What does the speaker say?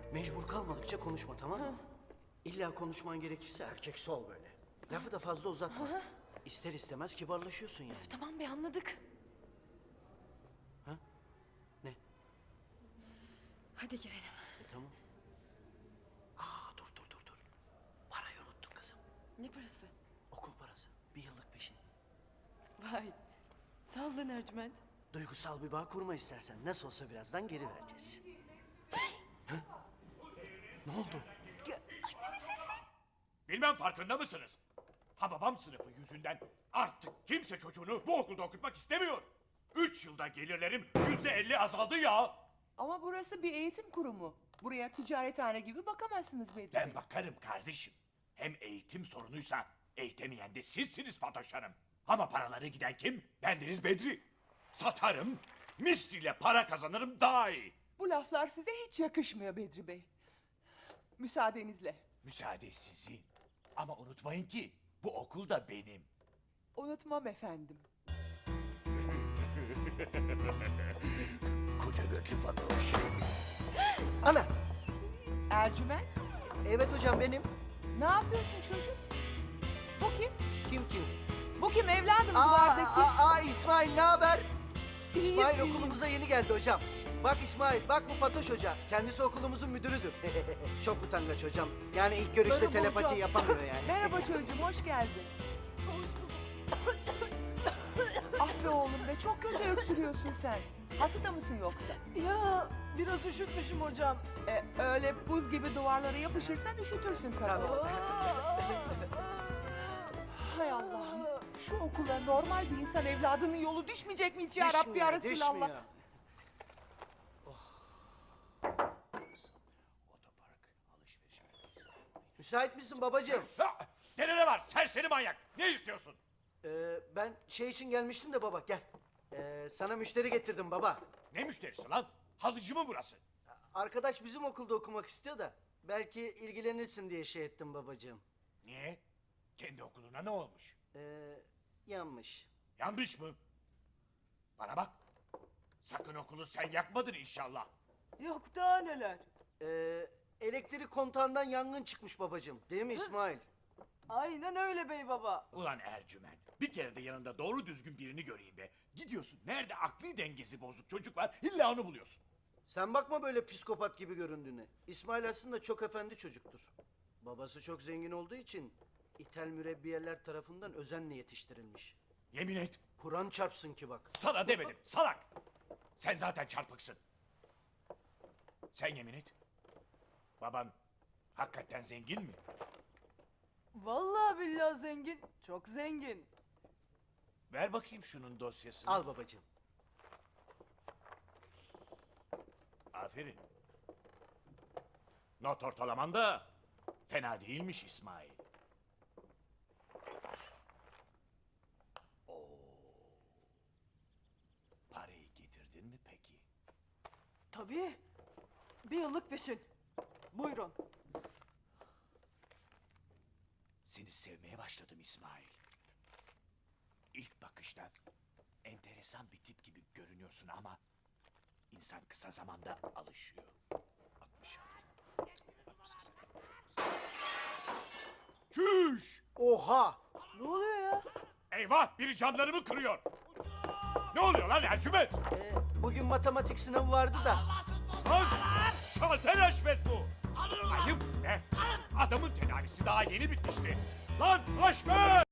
Mecbur kalmadıkça konuşma, tamam mı? İlla konuşman gerekirse erkeksi ol böyle. Lafı da fazla uzatma. İster istemez kibarlaşıyorsun yani. Tamam be, anladık. Ne? Hadi girelim. Tamam. Dur. Parayı unuttun kızım. Ne parası? Okul parası. 1 yıllık peşin. Vay. Sağ ol lan Ercüment. Duygusal bir bağ kurma istersen. Nasıl olsa birazdan geri vereceğiz. Hı? Ne oldu? Annemin sesi. Bilmem farkında mısınız? Hababam sınıfı yüzünden artık kimse çocuğunu bu okulda okutmak istemiyor. 3 yılda gelirlerim %50 azaldı ya. Ama burası bir eğitim kurumu. Buraya ticarethane gibi bakamazsınız Bedri Ben Bey. bakarım kardeşim. Hem eğitim sorunuysa eğitemeyen de sizsiniz Fatoş Hanım. Ama paraları giden kim? Bendeniz Bedri. Satarım, misliyle para kazanırım daha iyi. Bu laflar size hiç yakışmıyor Bedri Bey. Müsaadenizle. Müsaade sizin. Ama unutmayın ki bu okul da benim. Unutmam efendim. Koca götlü Fatoş. Ana! Ercüment, Evet hocam benim. ne yapıyorsun çocuk? Bu kim? Kim? Bu kim evladım duvardaki? İsmail ne haber? İsmail İyiyim. okulumuza yeni geldi hocam. Bak İsmail, bak bu Fatoş Hoca. Kendisi okulumuzun müdürüdür. Çok utangaç hocam. Yani ilk görüşte Merhaba telepati hocam. yapamıyor yani. Merhaba çocuğum, hoş geldin. Ah be oğlum be, çok kötü öksürüyorsun sen. Hasta mısın yoksa? Ya biraz üşütmüşüm hocam. Öyle buz gibi duvarlara yapışırsan üşütürsün tabii. Hay Allah'ım. Şu okula normal bir insan evladının yolu düşmeyecek mi hiç ya Rabbi ya Resulallah? Düşmüyor. Otopark, alışveriş merkezi. Müsait misin babacığım? Ha, gene ne var serseri manyak? Ne istiyorsun? Ben şey için gelmiştim de baba, gel. Sana müşteri getirdim baba. Ne müşterisi lan? Halıcı mı burası? Arkadaş bizim okulda okumak istiyor da belki ilgilenirsin diye şey ettim babacığım. Niye? Kendi okuluna ne olmuş? Yanmış. Yanlış mı? Bana bak. Sakın okulu sen yakmadın inşallah. Yok daha neler. Elektrik kontağından yangın çıkmış babacığım. Değil mi İsmail? Aynen öyle bey baba. Ulan Ercüment. Bir kere de yanında doğru düzgün birini göreyim be. Gidiyorsun. Nerede akli dengesi bozuk çocuk var? İlla onu buluyorsun. Sen bakma böyle psikopat gibi göründüğüne. İsmail aslında çok efendi çocuktur. Babası çok zengin olduğu için İthal mürebbiyeler tarafından özenle yetiştirilmiş. Yemin et. Kur'an çarpsın ki bak. Sana demedim. Salak. Sen zaten çarpıksın. Sen yemin et. Baban hakikaten zengin mi? Vallahi billahi zengin. Çok zengin. Ver bakayım şunun dosyasını. Al babacığım. Aferin. Not ortalaman da fena değilmiş İsmail. Oo. Parayı getirdin mi peki? Tabii. 1 yıllık peşin. Buyurun. Seni sevmeye başladım İsmail. İlk bakışta enteresan bir tip gibi görünüyorsun ama insan kısa zamanda alışıyor. 66. 68. Çüş! Oha! Ne oluyor ya? Eyvah! Biri camlarımı kırıyor. Ne oluyor lan Ercüment? Bugün matematik sınavı vardı da. Lan! Şalter Haşmet bu! Ayıp be! Adamın tedavisi daha yeni bitmişti. Lan Haşmet!